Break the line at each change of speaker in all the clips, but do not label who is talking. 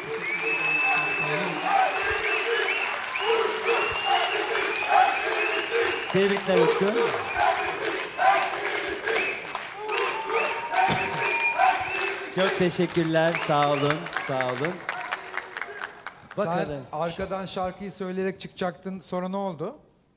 Tebrikler Utku. Çok teşekkürler. Sağ olun. Sağ olun.
Sen
Bakalım.
arkadan şarkıyı söyleyerek çıkacaktın. Sonra ne oldu?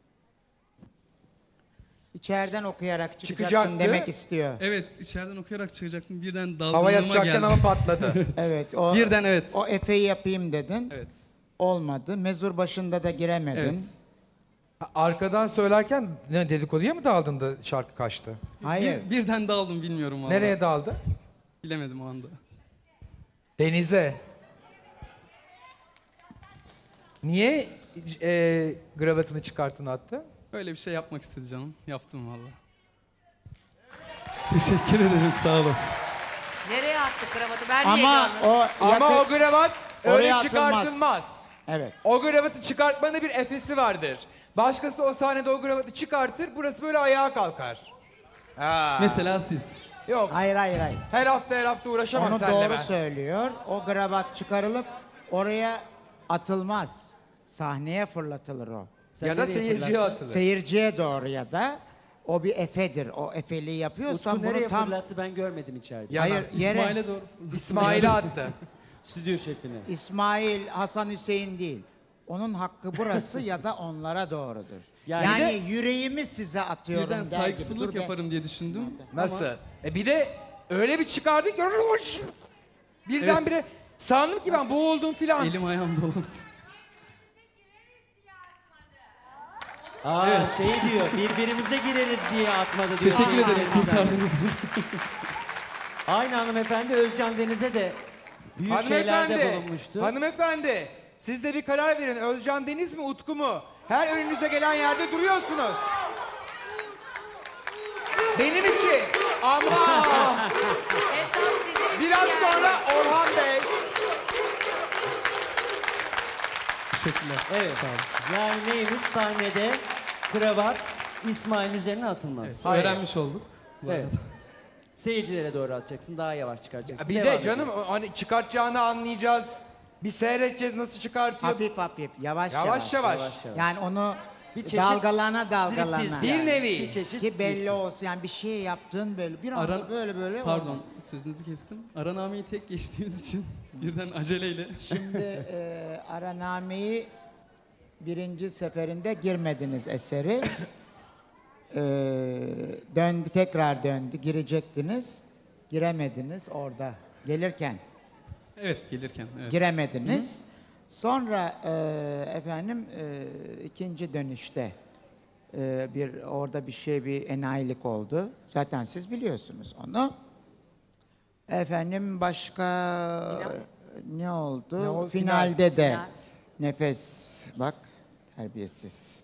İçeriden okuyarak çıkacaktın
Çıkacaktı.
demek istiyor.
Evet, içeriden okuyarak çıkacaktım. Birden
Hava
dalgınlığıma
yapacakken
geldi.
ama patladı.
Evet. O,
Birden evet.
O Efe'yi yapayım dedin.
Evet.
Olmadı. Mezur başında da giremedin.
Evet.
Arkadan söylerken ne dedikoduya mı daldın da şarkı kaçtı?
Hayır.
Birden daldım bilmiyorum valla.
Nereye daldı?
Bilemedim o anda.
Denize. Niye gravatını çıkarttın attı?
Öyle bir şey yapmak istedi canım. Yaptım valla. Teşekkür ederim, sağ olasın.
Nereye attık kravatı? Ben
Ama
heyecanlıyım.
o
Ama
yakı-
o gravat
Oraya
öyle
atılmaz.
çıkartılmaz.
Evet.
O gravatı çıkartmanın bir efesi vardır. Başkası o sahnede o gravatı çıkartır, burası böyle ayağa kalkar. Ha.
Mesela siz.
Yok,
Hayır hayır hayır.
her hafta uğraşamam
Onu
seninle
doğru
ben.
söylüyor. O kravat çıkarılıp oraya atılmaz. Sahneye fırlatılır o.
Sen
Ya da
nereye
seyirciye
fırlattın?
atılır.
Seyirciye doğru ya da o bir efedir. O efeliği yapıyorsan
Utku
bunu
nereye
tam...
fırlattı ben görmedim içeride.
Hayır yere.
İsmail'e doğru.
İsmail'e attı.
Stüdyo şefine.
İsmail, Hasan Hüseyin değil. Onun hakkı burası ya da onlara doğrudur.
Yani
Yani,
bir
yüreğimi size atıyorum
Birden
der gibi.
saygısızlık
Dur be.
yaparım diye düşündüm.
Nasıl? Bir de öyle bir çıkardı ki birdenbire sandım ki ben boğuldum filan.
Elim ayağım dolandı.
Aa şey diyor, birbirimize gireriz diye atmadı diyor.
Teşekkür ederim,
Seyircilerimizden.
kurtardınız beni.
Aynı hanımefendi Özcan Deniz'e de büyük şeylerde bulunmuştu.
Hanımefendi, siz de bir karar verin. Özcan Deniz mi, Utku mu? Her önünüze gelen yerde duruyorsunuz. Benim için. Ama
Esas sizin
biraz
yani.
sonra Orhan Bey.
Teşekkürler.
Evet.
Sağ olun.
Yani neymiş sahnede kravat İsmail'in üzerine atılmaz.
Hayır.
Öğrenmiş olduk. Bu
Evet.
arada.
Seyircilere doğru atacaksın, daha yavaş çıkaracaksın.
Bir
Devam
de canım
ediyoruz.
hani çıkartacağını anlayacağız. Bir seyredeceğiz nasıl çıkartıyor.
Hafif hafif, yavaş
Yavaş yavaş.
Yavaş yavaş.
Yani onu
Bir çeşit
dalgalana dalgalana.
striptiz
Bir
yani.
nevi.
Bir çeşit
Ki belli
striptiz.
olsun yani bir şey yaptığın böyle bir anda
Ara-
böyle
Pardon,
olmaz.
sözünüzü kestim. Aranameyi tek geçtiğimiz için birden aceleyle.
Şimdi Araname'yi birinci seferinde girmediniz eseri. Döndü, tekrar döndü, girecektiniz. Giremediniz orada gelirken.
Evet, gelirken. Evet.
Giremediniz. Sonra efendim ikinci dönüşte orada bir enayilik oldu. Zaten siz biliyorsunuz onu. Efendim başka ne oldu?
Ne oldu?
Finalde de
Final.
nefes bak terbiyesiz.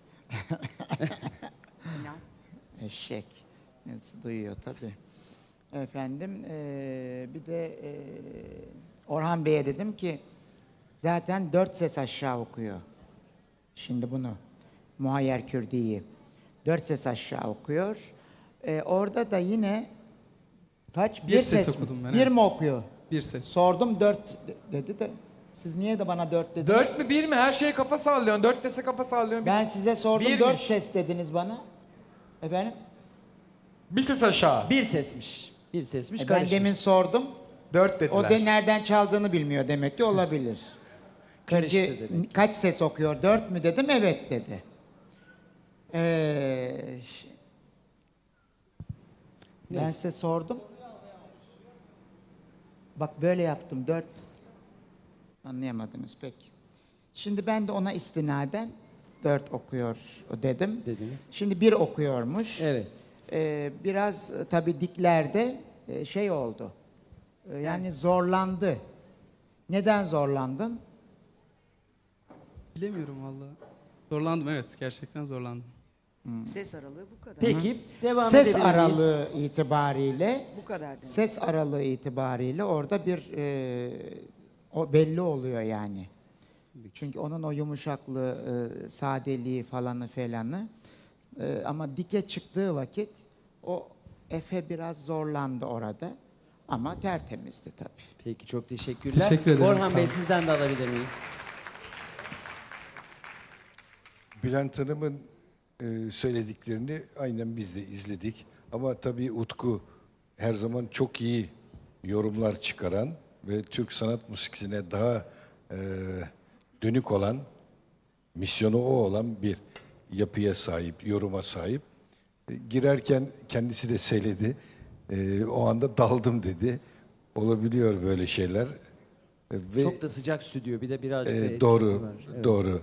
Eşek. Nasıl duyuyor tabii. Efendim bir de Orhan Bey'e dedim ki zaten 4 ses aşağı okuyor. Şimdi bunu Muhayyer Kürdi'yi 4 ses aşağı okuyor. Orada da yine kaç?
Bir ses
mi?
okudum ben,
Bir
evet.
mi okuyor?
Bir ses.
Sordum 4 dedi de siz niye de bana 4 dediniz?
4 mü 1 mi? Her şeye kafa sallıyorsun. 4 dese kafa sallıyorsun.
Ben size sordum
Birmiş.
4 ses dediniz bana. Efendim?
Bir ses aşağı.
Bir sesmiş. Bir sesmiş,
Ben
karışmış.
demin sordum.
4 dediler.
O de nereden çaldığını bilmiyor demek ki olabilir.
Karıştı
Çünkü
dedi.
kaç ses okuyor? 4 mü dedim? Evet dedi. Ben
Neyse.
size sordum. Bak böyle yaptım. 4. Anlayamadınız pek. Şimdi ben de ona istinaden 4 okuyor dedim.
Dediniz.
Şimdi 1 okuyormuş.
Evet.
Biraz tabii diklerde şey oldu. Yani zorlandı. Neden zorlandın?
Bilemiyorum valla. Zorlandım, evet. Gerçekten zorlandım.
Ses aralığı bu kadar.
Peki devam
Ses
edebilir miyiz?
aralığı itibariyle
Bu kadar demek.
ses aralığı itibariyle orada bir o belli oluyor yani. Çünkü onun o yumuşaklığı, sadeliği falanı ama dike çıktığı vakit o Efe biraz zorlandı orada. Ama tertemizdi tabii.
Peki çok teşekkürler.
Teşekkür ederim,
Orhan
sağ
Bey
olun.
sizden de alabilir miyim?
Bülent Hanım'ın söylediklerini aynen biz de izledik. Ama tabii Utku her zaman çok iyi yorumlar çıkaran ve Türk sanat müziğine daha dönük olan, misyonu o olan bir yapıya sahip, yoruma sahip. Girerken kendisi de söyledi. O anda daldım dedi. Olabiliyor böyle şeyler. Ve
Çok da sıcak stüdyo. Bir de birazcık da etkisi
doğru,
var. Evet.
doğru.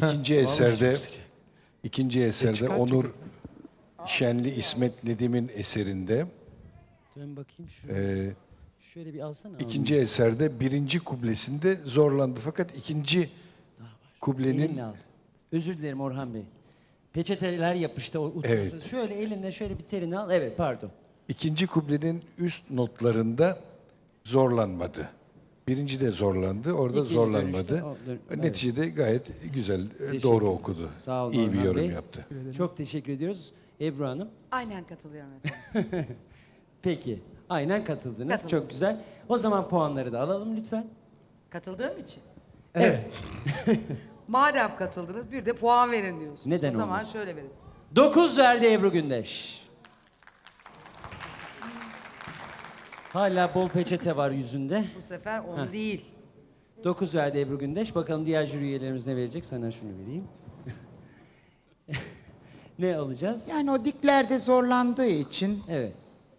İkinci eserde Onur Şenli İsmet Nedim'in eserinde,
Dön bakayım şöyle. Şöyle bir alsana.
ikinci eserde birinci kublesinde zorlandı. Fakat ikinci kublenin
Elinle al. Özür dilerim Orhan Bey. Peçeteler yapıştı.
Evet.
Şöyle elinle şöyle bir terini al. Evet pardon.
ikinci kublenin üst notlarında zorlanmadı. Birinci de zorlandı, orada
İkinci
zorlanmadı.
dönüşte evet.
Neticede gayet güzel,
Teşekkür
doğru
ederim.
okudu.
Sağ olun
İyi bir
Orhan
yorum
Bey.
yaptı.
Çok teşekkür ediyoruz. Ebru Hanım.
Aynen katılıyorum efendim.
Peki. Aynen katıldınız.
Katıldım.
Çok güzel. O zaman puanları da alalım lütfen.
Katıldığım için.
Evet.
Madem katıldınız bir de puan verin diyorsunuz.
Neden
O zaman
olmasın?
şöyle verin.
9 verdi Ebru Gündeş. Hala bol peçete var yüzünde.
Bu sefer 10 değil.
9 verdi Ebru Gündeş. Bakalım diğer jüri üyelerimiz ne verecek? Sana şunu vereyim. Ne alacağız?
Yani o diklerde zorlandığı için
Evet.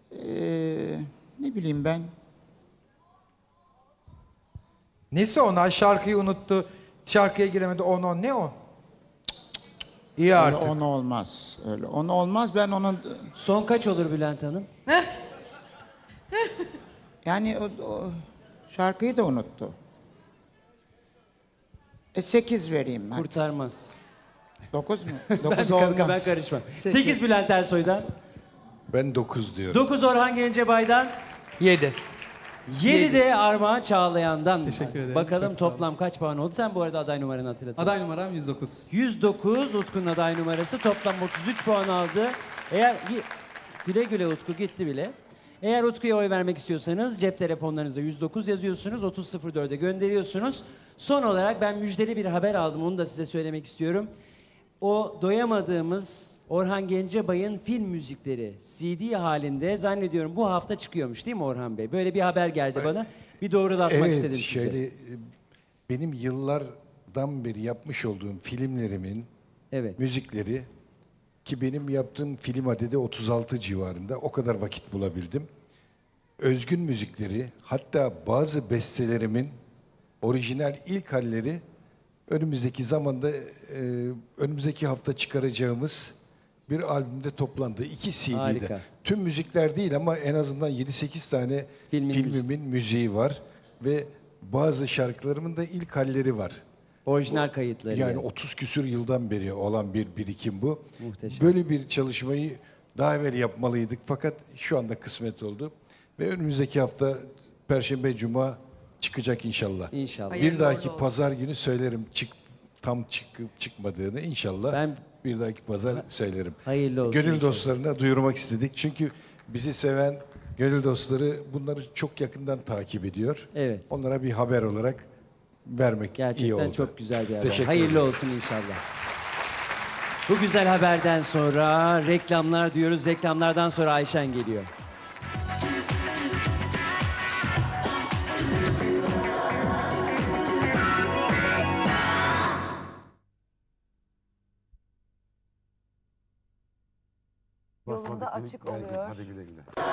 ne bileyim ben,
Nesi onlar? Şarkıyı unuttu. Şarkıya giremedi. On ne o? İyi
öyle
artık.
onu olmaz. Öyle onu olmaz. Ben onun
Son kaç olur Bülent Hanım?
yani o şarkıyı da unuttu. 8 vereyim ben.
Kurtarmaz.
9 mu?
Ben,
9
ben
olmaz.
karışmam. 8 Bülent Ersoy'dan.
Ben 9 diyorum.
9 Orhan Gencebay'dan.
7.
7 de Armağan Çağlayan'dan.
Teşekkür ederim,
Bakalım
çok sağ olun.
toplam kaç puan oldu? Sen bu arada aday numaranı hatırlat.
Aday numaram 109.
109 Utku'nun aday numarası toplam 33 puan aldı. Eğer güle güle Utku gitti bile. Eğer Utku'ya oy vermek istiyorsanız cep telefonlarınızda 109 yazıyorsunuz, 3004'e gönderiyorsunuz. Son olarak ben müjdeli bir haber aldım, onu da size söylemek istiyorum. O doyamadığımız Orhan Gencebay'ın film müzikleri CD halinde zannediyorum bu hafta çıkıyormuş değil mi Orhan Bey? Böyle bir haber geldi bana. Bir doğrulatmak istedim size.
şöyle benim yıllardan beri yapmış olduğum filmlerimin
Evet.
müzikleri, ki benim yaptığım film adedi 36 civarında, o kadar vakit bulabildim. Özgün müzikleri, hatta bazı bestelerimin orijinal ilk halleri önümüzdeki zamanda, önümüzdeki hafta çıkaracağımız bir albümde toplandı. 2 CD'de.
Harika.
Tüm müzikler değil ama en azından 7-8 tane filmimin müziği var. Ve bazı şarkılarımın da ilk halleri var.
Orijinal kayıtları.
Yani 30 küsür yıldan beri olan bir birikim bu.
Muhteşem.
Böyle bir çalışmayı daha evvel yapmalıydık fakat şu anda kısmet oldu. Ve önümüzdeki hafta Perşembe, Cuma çıkacak inşallah.
İnşallah.
Hayırlı
Bir dahaki
uğurlu olsun.
pazar günü söylerim tam çıkıp çıkmadığını inşallah.
Ben-
bir dahaki pazar söylerim.
Hayırlı olsun
Gönül
inşallah.
dostlarına duyurmak istedik. Çünkü bizi seven gönül dostları bunları çok yakından takip ediyor.
Evet.
Onlara bir haber olarak vermek iyi
Gerçekten
oldu.
çok güzel bir haber.
Teşekkür
Hayırlı
ederim.
olsun inşallah. Bu güzel haberden sonra reklamlar diyoruz. Reklamlardan sonra Ayşen geliyor.
Yolunda açık oluyor.